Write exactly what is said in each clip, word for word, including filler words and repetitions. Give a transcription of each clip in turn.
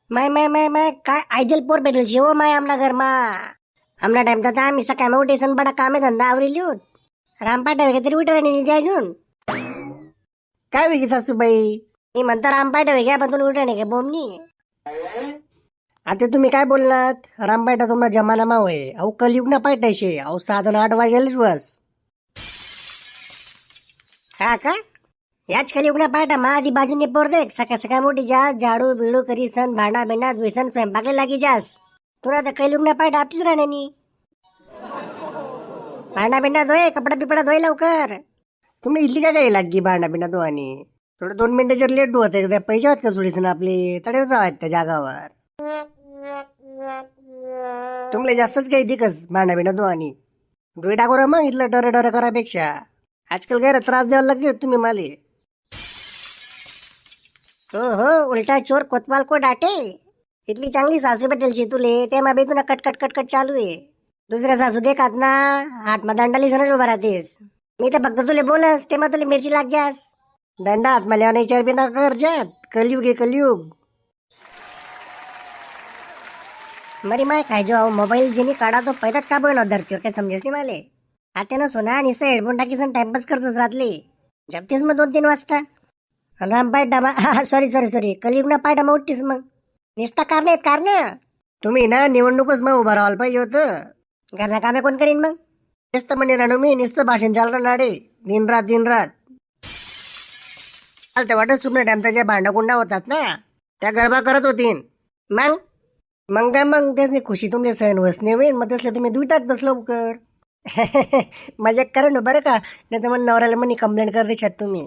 माय माय माय माय काय आयदल पोर भेटेल शे हो माय आमना घरमा. आमना टाइम तर आम्ही सकाळी उठेसन बडा कामे धंदा आवरेली होत. रामपाटा वगैरे तरी उठवा नाही द्या घेऊन. काय वेगळी सासूबाई मी म्हणता रामपाटा वेगळ्या पण तुम्ही उठा नाही का बोमनी. आता तुम्ही काय बोललात रामपाटा तुम्हाला जमाना मा होय. अहो कलयुग ना पाठायशे. अहो साधन आठ वाजेलच बस. हा का याच खाली उघडा पाठा मा आधी बाजूने पोर देख सकाळ सकाळ मोठी जास झाडू बिडू करी सन भांडा बिंडा धुईसन स्वयंपाकला लागी जास. तुला तर काही लुगना पाठ आपलीच राहण्यानी. भांडा बिंडा धुये कपडा बिपडा धुये लवकर. तुम्ही इथली का काही लागी भांडा बिंडा धुवानी. थोडं दोन मिनिटं जर लेट धुवत त्या पैसे आहेत का सोडीसन आपले तडे जावात त्या जागावर. तुमले जास्तच काही दिकस भांडा बिंडा धुवानी. धुई टाकू मग इथलं डर डर करापेक्षा. आजकाल गैर त्रास द्यायला लागले तुम्ही माले. हो हो उलटा चोर कोतवाल को डाटे. इतली चांगली सासू भेटेल तुले ते मा तुला कटकट कटकट चालू आहे. दुसऱ्या सासू देखात ना हात मा दंडाली सनच उभा राहतेस. मी तर फक्त तुले बोलस ते मग तुला मिरची लाग जास. दंडा हात मला नाही चार बिना कर जात. कलयुग आहे कलयुग. मरी माय काय जो मोबाईल जेनी काढा तो पैदाच का बघ धरतीवर काय समजेस नाही माले. आता ना सोना निसं हेडफोन टाकी सन टाइमपास करतच राहतले. जपतेस मग दोन तीन वाजता. राम पाय डामा सॉरी सॉरी सॉरी कलियुग ना पाय डामा उठतीस मग. निसता कारण आहेत कारण. तुम्ही ना निवडणूकच मग उभं राहायला पाहिजे होतं. घरना कामे कोण करीन मग. नुसतं म्हणजे राणू मी नुसतं भाषण चालणार नाडे दिन रात दिन रात. चालतं वाटत सुमने टाइम त्याच्या भांडा कुंडा होतात ना त्या गरबा करत होतीन. मग मग काय मग त्याच खुशी तुमचे सहन वसने होईल मग तसले तुम्ही दुईटात तस लवकर. मजा करा ना बरं का नाही तर मग नवऱ्याला म्हणे कंप्लेंट कर देशात तुम्ही.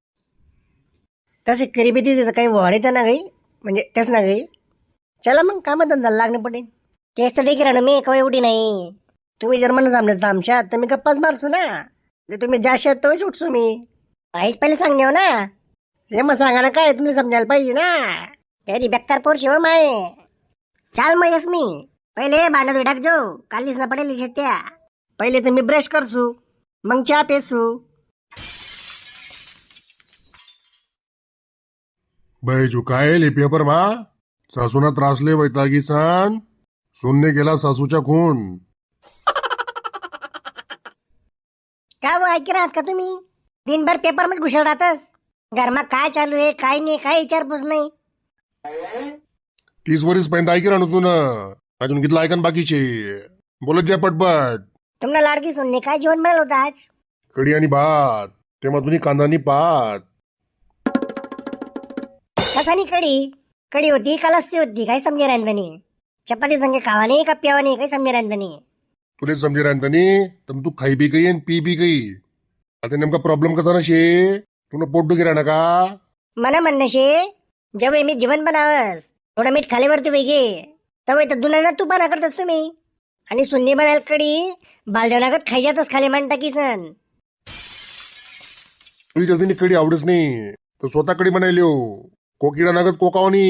तसे करीबी तिथे काही वाढीत ना गई म्हणजे तेच ना गई. चला मग कामात धंदा लागणं पडेल. तेच तर देखील ना मी कवा एवढी नाही. तुम्ही जर म्हणून समजायचं आमच्यात तर मी गप्पाच मारसू ना. जे तुम्ही जाशात तोच उठसू मी. वाईट पहिले सांगणे हो ना. हे मग सांगा ना काय तुम्ही समजायला पाहिजे ना. तरी बेकार पोर शिव माय. चाल मग यस मी पहिले भांडत टाक जो कालीच ना पडेल त्या. पहिले तर मी ब्रश करसू मग चहा पेसू. बैजू काय ले पेपर मा सासूना त्रासले वैतागी सान सोनने गेला सासूच्या खून. का वो ऐक राहत का तुम्ही दिनभर पेपर मध्ये घुसळ राहतस. घरमा काय चालू आहे काय नाही काय विचारपूस नाही. तीस वर्ष पर्यंत ऐकी राहणार तू ना अजून किती ऐकन बाकीचे बोलत जा पटपट. तुम्हाला लाडकी सुनने काय जेवण मिळालं होतं आज. कढी आणि भात तेव्हा तुम्ही कांदानी पात. कसानी कडी कडी होती का लस्सी होती काही समजे रांधणी. चपाती संगे खावा नाही का प्यावा नाही काही समजे रांधणी. तुले समजे राहतानी तर तू खाई बी गई आणि पी बी गई. आता नेमका प्रॉब्लेम कसा ना शे तुला पोट दुखी राहणार का. मला म्हणणं शे जेव्हा मी जेवण बनावस थोडं मीठ खालीवरती वेगे तवय तर दुना तू बना करतस तुम्ही. आणि सुन्नी बनायला कडी बालदेवनागत खायच्यातच खाली मान टाकी सन. तुझी जल्दी कडी आवडच नाही तर स्वतः कडी बनायलो कोकिडा नागत कोकावनी.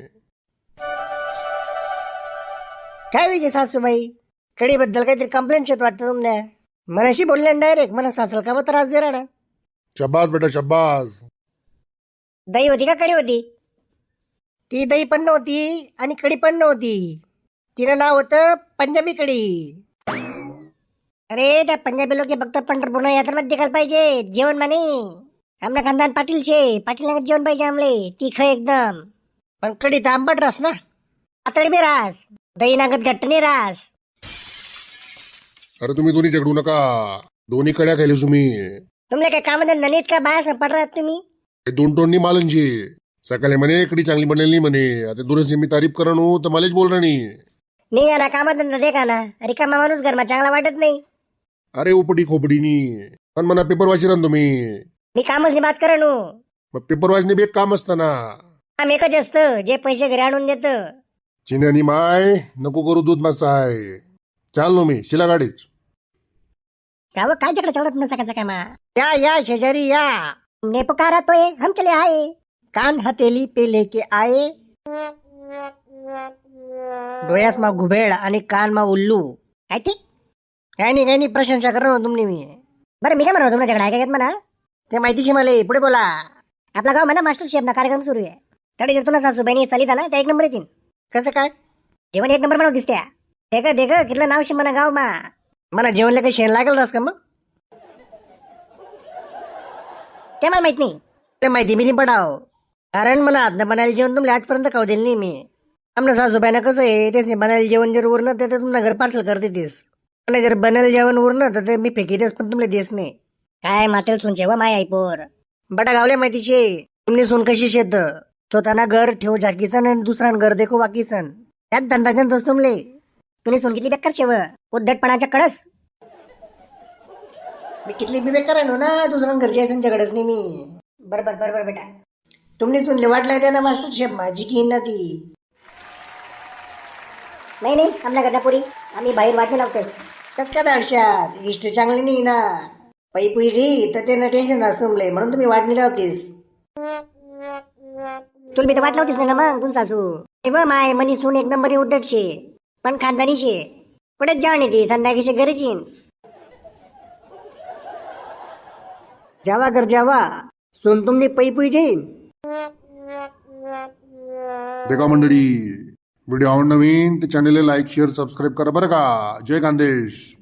काय विजय सासूबाई कडी बद्दल काहीतरी कंप्लेंट शेत वाटतं तुमने. मनाशी बोलले डायरेक्ट मला सासला का मग त्रास दे राहणार. शब्बास बेटा शब्बास. दही होती का कडी होती. ती दही पण नव्हती आणि कडी पण नव्हती. तिनं नाव होतं पंजाबी कडी. अरे त्या पंजाबी लोक फक्त पंढरपूर यात्रा देखायला पाहिजे जेवण माने. आमना खानदान पाटील शे पाटील नागत जेवण पाहिजे आमले तीख एकदम. पण कडी तर आंबट रास ना पातळी बी रास दही नागत घट्ट नाही रास. अरे तुम्ही दोन्ही झगडू नका दोन्ही कड्या खायले तुम्ही. तुमले काय कामधंदा नाहीत का बाहेर पड राहत तुम्ही. हे दोन टोननी मालनची सकाळी म्हणे कडी चांगली बनेल म्हणे आता दोन्ही मी तारीफ करणू तर मलाच बोल नाही. निघा ना कामधंदा देखा ना रिकामा माणूस घरमा चांगला वाटत नाही. अरे उपटी खोपडीनी पण म्हणा पेपर वाची राहतो तुम्ही. मी कामच बात करणू मग पेपर वाचणे बी एक काम असताना. काम एकच असतं जे पैसे घरी आणून देत. चिन्यानी माय नको करू दूध मासाय. चाल नो मी शिला गाडीच. त्यावर काय तिकडे चढत ना सकाळ सकाळ मा. या या शेजारी या ने पुकारा तोय हम चले आए कान हथेली पे लेके आए. डोळ्यास मा घुबेड आणि कान मा उल्लू. काय ते काय नाही काय नाही प्रशंसा करणं तुमने मी. बरं मी काय म्हणतो तुमच्याकडे आहे काय म्हणा ते माहितीशी मला पुढे बोला. आपला गाव म्हणा मास्टर शेफ ना कार्यक्रम सुरू आहे तडे जर तुला सासूबाईनी चालिता ना त्या एक नंबर येतील. कसं काय? जेवण एक नंबर बनव दिसत्या. देख देख कितलं नाव शे म्हणा गाव मा. मला जेवणला काही शेण लागेल रस का मग? ते मला माहित नाही. ते माहिती मी नाही पडाव. कारण मला आजनं बनायला जेवण तुमले आजपर्यंत खाऊ दिलं नाही मी. आमना सासूबाईना कसं आहे तेच नाही बनायला जेवण जर उरलं तर ते तुम्हाला घर पार्सल करते तेच. आणि जर बनायला जेवण उरलं तर ते मी फेकीतेच पण तुमले देस नाही. काय मातेल सुनचे व माय आई पोर. बटा गावल्या माहितीशे तुमने सून कशी शेत स्वतःना घर ठेव झाकीसन आणि दुसरा घर देखो वाकीसन त्यात धंदाच्या तस तुमले. तुम्ही सून किती बेकार शेव उद्धटपणाच्या कळस. मी कितली बी बेकार आहे ना दुसऱ्या घरची आहे संच्याकडेच नाही मी. बरोबर बरोबर बेटा. तुमने सुनले वाटलाय त्या ना मास्टर शेफ माझी की ना ती. नाही नाही आमना घरण्यापुरी आम्ही बाहेर वाटणे लावतेस. कस का दाडशात हिस्ट्री चांगली नाही ना. पै पुई घे तर ते टेन्शन असुमले म्हणून तुम्ही वाटणी लावतेस. तुला मी तर वाट लावतीस ना मग तुम सासू. तेव्हा माय मनी सून एक नंबरी उद्धट शे पण खानदानी शे. कुठेच जाऊन येते संध्याकाळची गरजी. जावा घर जावा सून तुमने पै पुई जाईन. देखा मंडळी व्हिडिओ आवड नवीन तर चॅनलला लाईक शेअर सबस्क्राईब करा बरं का. जय खानदेश.